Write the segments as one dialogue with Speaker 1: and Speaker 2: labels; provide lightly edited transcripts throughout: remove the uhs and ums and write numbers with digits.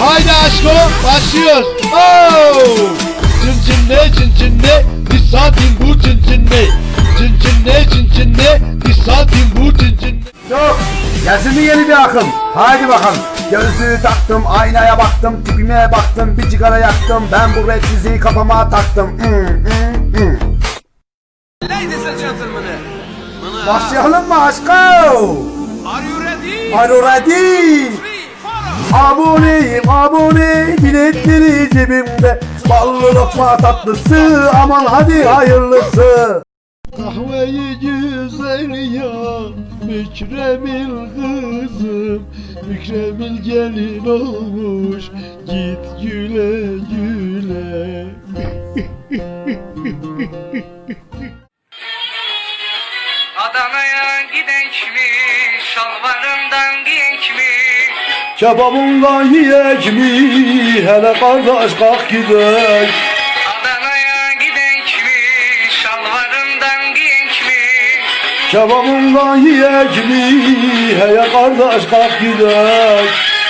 Speaker 1: Haydi aşko başlıyoruz. Oh! Cin ne bir saatin bu cin ne. Cin ne bir saatin bu cin ne.
Speaker 2: Yok, gelsin mi yeni bir akım? Haydi bakalım. Gözlüğü taktım, aynaya baktım, tipime baktım, bir sigara yaktım. Ben bu rap müziği kafama taktım.
Speaker 3: Ladies and gentlemen,
Speaker 2: Başlayalım mı aşkım?
Speaker 3: are you ready?
Speaker 2: Are you ready?
Speaker 3: 3, 4.
Speaker 2: Aboneyim abone, biletleri cebimde. Ballı lokma tatlısı, aman hadi hayırlısı.
Speaker 1: Kahveyi güzel ya Mükremil kızım, Mükremil gelin olmuş, git güle güle.
Speaker 4: Adana'ya gidek mi? Şalvarından giyek mi?
Speaker 2: Kebabından yiyek mi? Hele kardeş kalk gidek.
Speaker 4: Adana'ya gidek mi? Şalvarından giyek mi?
Speaker 2: Kebabından yiyek mi? Hele kardeş kalk gidek.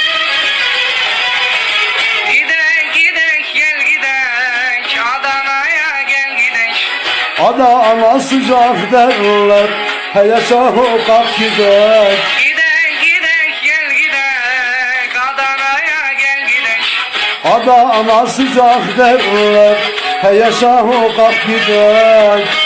Speaker 4: Gidek gidek gel gidek. Adana'ya gel gidek.
Speaker 2: Adana sıcak derler. Hele şaho kalk gidek.
Speaker 4: Gidek gidek gel gidek. Adana'ya gel gidek.
Speaker 2: Adana sıcak derler. Hele şaho kalk gidek.